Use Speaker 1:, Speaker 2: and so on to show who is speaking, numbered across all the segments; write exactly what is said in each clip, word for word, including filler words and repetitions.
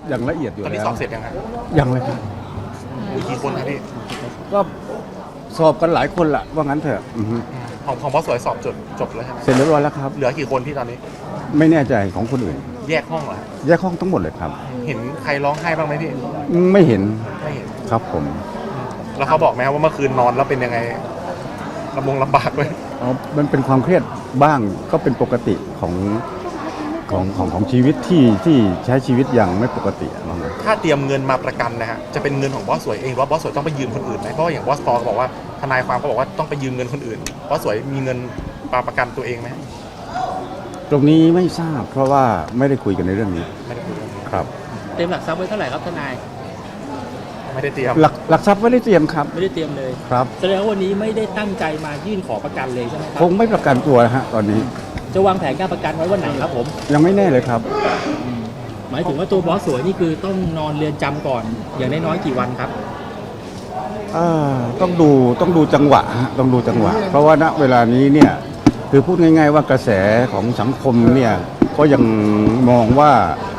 Speaker 1: อย่างละเอียดอยู่
Speaker 2: ตอนนี้
Speaker 1: แล้ว
Speaker 2: สอบเสร็จยังไง
Speaker 1: ยังเลยครับ
Speaker 2: มีกี่คนครับพี่
Speaker 1: ก็สอบกันหลายคนละว่างั้นเถอะอือฮึ
Speaker 2: ของของบอสสวยสอบจบจบแล้วใช่ไหม
Speaker 1: เสร็จเรียบร้อยแล้วครับ
Speaker 2: เหลือกี่คนที่ตอนนี้
Speaker 1: ไม่แน่ใจของคนอื่น
Speaker 2: แยกห้องเหรอ
Speaker 1: แยกห้องทั้งหมดเลยครับ
Speaker 2: เห็นใครร้องไห้บ้างไหมพี่
Speaker 1: ไม่เห็น
Speaker 2: ไม่เห็น
Speaker 1: ครับผม
Speaker 2: แล้วเขาบอกไหมครับว่าเมื่อคืนนอนแล้วเป็นยังไงลำบงลำบากเลย
Speaker 1: อ๋อมันเป็นความเครียดบ้างก็เป็นปกติของของของของชีวิตที่ที่ใช้ชีวิตอย่างไม่ปกติอะว่างั้น
Speaker 2: ถ้าเตรียมเงินมาประกันนะฮะจะเป็นเงินของบอสสวยเองหรือว่าบอสสวยต้องไปยืมคนอื่นไหมเพราะว่าอย่างบอสปอก็บอกว่าทนายความก็บอกว่าต้องไปยืมเงินคนอื่นบอสสวยมีเงินมาประกันตัวเองไหม
Speaker 1: ตรงนี้ไม่ทราบเพราะว่าไม่ได้คุยกันในเรื่องนี้
Speaker 2: ไม่ได้คุยเรื่องนี้
Speaker 1: ครับ
Speaker 3: เตรียมหลักทรัพย์ไว้เท่าไหร่ครับทนาย
Speaker 2: ไม่ได้เตรียม
Speaker 1: หลักหลักทรัพย์ไม่ได้เตรียมครับ
Speaker 3: ไม่ได้เตรียมเลย
Speaker 1: ครับ
Speaker 3: แสดงว่าวันนี้ไม่ได้ตั้งใจมายื่นขอประกันเลยใช่ไหมครั
Speaker 1: คงไม่ประกันตัวนะฮะตอนนี้
Speaker 3: จะวางแผนการประกันไว้วันไหนครับผม
Speaker 1: ยังไม่แน่เลยครับ
Speaker 3: หมายถึงว่าตัวบอสสวยนี่คือต้องนอนเรือนจำก่อน อย่างน้อยๆกี่วันครับ
Speaker 1: อ่าต้องดูต้องดูจังหวะฮะต้องดูจังหวะ เพราะว่าณเวลานี้เนี่ยคือพูดง่ายๆว่ากระแสของสังคมเนี่ยก็ยังมองว่า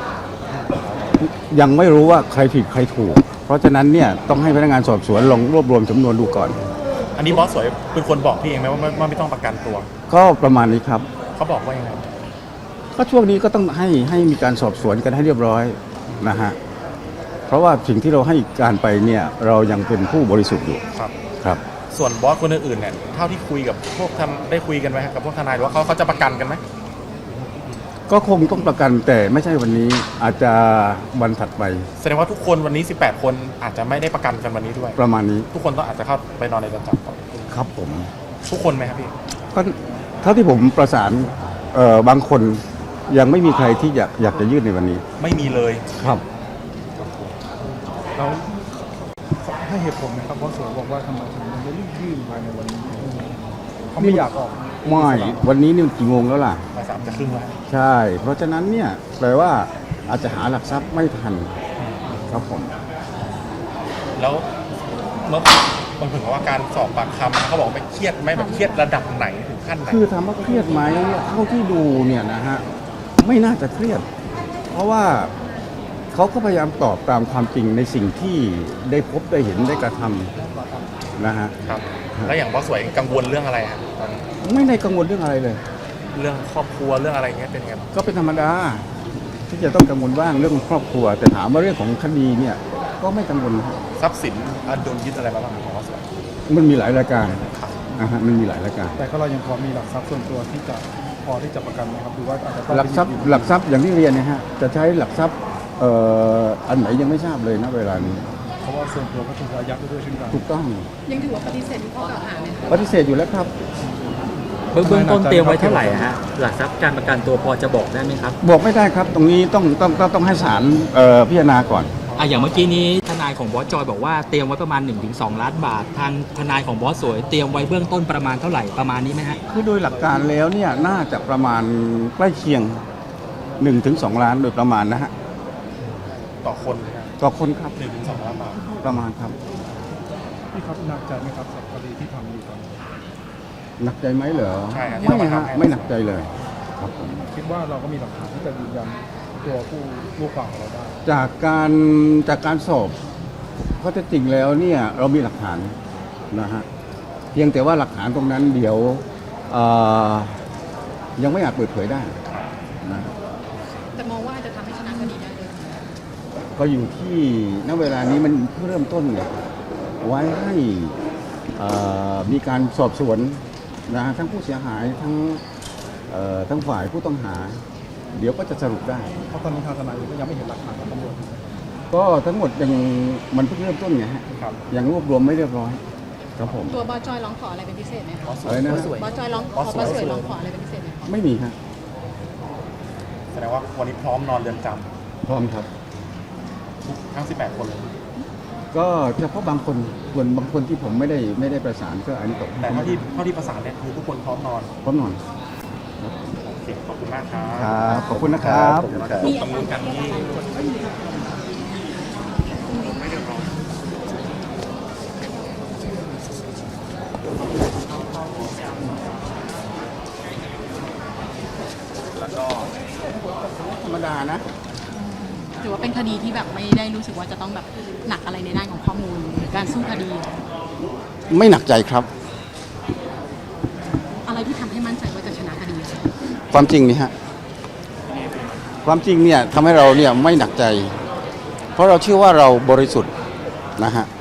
Speaker 1: ยังไม่รู้ว่าใครผิดใครถูก เพราะฉะนั้นเนี่ยต้องให้พนักงานสอบสวนลองรวบรวมสำนวนดูก่อน
Speaker 2: อันนี้บอสสวยเป็นคนบอกพี่เองไหมว่าไม่ว่าไม่ต้องประกันตัว
Speaker 1: ก็ประมาณนี้ครับ
Speaker 2: เขาบอกว่ายังไง
Speaker 1: ก็ช่วงนี้ก็ต้องให้ให้มีการสอบสวนกันให้เรียบร้อยนะฮะเพราะว่าสิ่งที่เราให้การไปเนี่ยเรายังเป็นผู้บริสุทธิ์อยู่
Speaker 2: ครับ
Speaker 1: ครับ
Speaker 2: ส่วนบอสคนอื่นๆเนี่ยเท่าที่คุยกับพวกทำได้คุยกันไหมครับกับพวกทนายหรือว่าเขาเขาจะประกันกันไหม
Speaker 1: ก็คงต้องประกันแต่ไม่ใช่วันนี้อาจจะวันถัดไป
Speaker 2: แสดงว่าทุกคนวันนี้สิบแปดคนอาจจะไม่ได้ประกันกันวันนี้ด้วย
Speaker 1: ประมาณนี้
Speaker 2: ทุกคนต้องอาจจะเข้าไปนอนในเรือนจำก่อน
Speaker 1: ครับผม
Speaker 2: ทุกคนไหมครับพี่
Speaker 1: ก็เท่าที่ผมประสานเอ่อบางคนยังไม่มีใครที่อยากอยากจะยื่นในวันนี้
Speaker 2: ไม่มีเลย
Speaker 1: ครับ
Speaker 4: แล้วให้เหตุผลนะครับเพราะสวยบอกว่าทำไมถึงยังไม่รีบยื่นภายในวันนี้เขาไม่อยากออก
Speaker 1: ไม่วันนี้นี่มันกี่โมงแล้วล่ะ
Speaker 2: บ่ายสามจะครึ่งแล้ว
Speaker 1: ใช่ เพราะฉะนั้นเนี่ยแปลว่าอาจจะหาหลักทรัพย์ไม่ทันครับผม
Speaker 2: แล้วเมื่อมันถึงว่าการสอบปากคำเขาบอกไม่เครียดไหมแบบเครียดระดับไหนถึงขั้นไหน
Speaker 1: คือถามว่าเครียดไหมเท่าที่ดูเนี่ยนะฮะไม่น่าจะเครียด เพราะว่าเขาก็พยายามตอบตามความจริงในสิ่งที่ได้พบได้เห็นได้กระทำนะฮะ
Speaker 2: ครับ แล้วอย่างบอสสวยกังวลเรื่องอะไรครับตอนนี้
Speaker 1: ไม่ได้กังวลเรื่องอะไรเลย
Speaker 2: เรื่องครอบครัวเรื่องอะไรเงี้ยเป็นไงบ้าง
Speaker 1: ก็เป็นธรรมดาที่จะต้องกังวลบ้างเรื่องครอบครัว แต่ถามว่าเรื่องของคดีเนี่ยก็ไม่กังวลครับ
Speaker 2: ทรัพย์สินอ่ะโดนยึดอะไรมาบ้างของบอสสวย
Speaker 1: มันมีหลายรายการนะฮะมันมีหลายรายการ
Speaker 4: แต่ก็เรายังพอมีหลักทรัพย์ส่วนตัวที่จะพอที่จะประกันไหมครับหรือว่าอาจจะต้อง
Speaker 1: หลักทรัพย์หลักทรัพย์อย่างที่เรียนเนะฮะจะใช้หลักทรัพย์เอ่ออันไหนยังไม่ทราบเลยนะเวลานี้
Speaker 4: เพราะว่าส่วนตัวก็ถูกอายัดไปด้วยเช่นกัน
Speaker 1: ถูกต้อง
Speaker 5: ยังถือว่าปฏิเสธทุกข้อกล่าวหาไหมคะ
Speaker 1: ปฏิเสธอยู่แล้วครับ
Speaker 3: เบื้องเบื้องต้นเตรียมไว้เท่าไหร่ฮะ หลักทรัพย์การประกันตัวพอจะบอกได้ไหมครับ
Speaker 1: บอกไม่ได้ครับ ตรงนี้ต้องต้องต้องต้องให้ศาลเอ่อพิจารณาก่อน
Speaker 3: อ่ะอย่างเมื่อกี้นี้ทนายของบอสจอยบอกว่าเตรียมไว้ประมาณ หนึ่งถึงสอง ล้านบาท ทางทนายของบอสสวยเตรียมไว้เบื้องต้นประมาณเท่าไหร่ประมาณนี้ไหมฮะ
Speaker 1: คือโดยหลักการแล้วเนี่ยน่าจะประมาณใกล้เคียงหนึ่งถึงสองล้านโดยประมาณนะฮะ
Speaker 2: ต่อคนเลยครับ
Speaker 1: ต่อคนครับ
Speaker 2: หนึ่งถึงสองล้านบาท
Speaker 1: ประมาณครับ
Speaker 4: พี่ครับหนักใจไหมครับกับคดีที่ทำอยู่ตอนนี้
Speaker 1: หนักใจไหมเหรอ
Speaker 2: ใช่ครับที่
Speaker 1: ไม่
Speaker 2: ต้องมา
Speaker 1: ฮะ
Speaker 2: ทำให้
Speaker 1: ไม่หนักใจเลยครับผม
Speaker 4: คิดว่าเราก็มีหลักฐานที่จะยืนยันตัวผู้ลูกความของเราได้
Speaker 1: จากการจากการสอบข้อเท็จจริงแล้วเนี่ยเรามีหลักฐานนะฮะเพียงแต่ว่าหลักฐานตรงนั้นเดี๋ยวเอ่อยังไม่อาจเปิดเผยได้นะ
Speaker 5: แต่มองว่าจะทำให้ชนะคดีได้เลย
Speaker 1: ก็อยู่ที่ณเวลานี้มันเพิ่งเริ่มต้นไงไว้ให้เอ่อมีการสอบสวนนะฮะทั้งผู้เสียหายทั้งเอ่อทั้งฝ่ายผู้ต้องหา เดี๋ยวก็จะสรุปได้
Speaker 4: เพราะตอนนี้ทางทนายก็ยังไม่เห็นหลักฐานของตำรวจ
Speaker 1: ก็ทั้งหมดยังมันเพิ่งเริ่มต้นไงฮะ
Speaker 2: ครับ
Speaker 1: ยังรวบรวมไม่เรียบร้อยครับผม
Speaker 5: ตัวบอสจอยร้องขออะไรเป็นพิเศษไหมคะ
Speaker 1: อะไรนะ
Speaker 5: บอสจอยร้องขอบอสสวยร้องขออะไรเป็นพิเศษไหมคะ
Speaker 1: ไม่มีครับ
Speaker 2: แสดงว่าวันนี้พร้อมนอนเรือนจ
Speaker 1: พร้อมครับ
Speaker 2: ำทุกทั้งสิบแปดคนเลย
Speaker 1: ก็เฉพาะบางคนส่วนบางคนที่ผมไม่ได้ไม่ได้ประสานก็อันนี้ตก
Speaker 2: แต่เท่าที่เท่าที่ประสานเนี่ยคือทุกคนพร้อมนอน
Speaker 1: พร้อมนอน
Speaker 2: โอเคขอบคุณมากครับ
Speaker 1: ครับขอบคุณนะครับ
Speaker 2: เดี๋ยวเราจะ
Speaker 5: มี
Speaker 2: ดำเนินการที่
Speaker 1: ธรรมดานะ
Speaker 5: ถือว่าเป็นคคดีที่แบบไม่ได้รู้สึกว่าจะต้องแบบหนักอะไรในด้านของข้อมูลหรือการสู้คดี
Speaker 1: ไม่หนักใจครับ
Speaker 5: อะไรที่ทำให้มั่นใจว่าจะชนะคดีคะ
Speaker 1: ความจริงนี่ฮะความจริงเนี่ยทำให้เราเนี่ยไม่หนักใจ เพราะเราเชื่อว่าเราบริสุทธิ์นะฮะ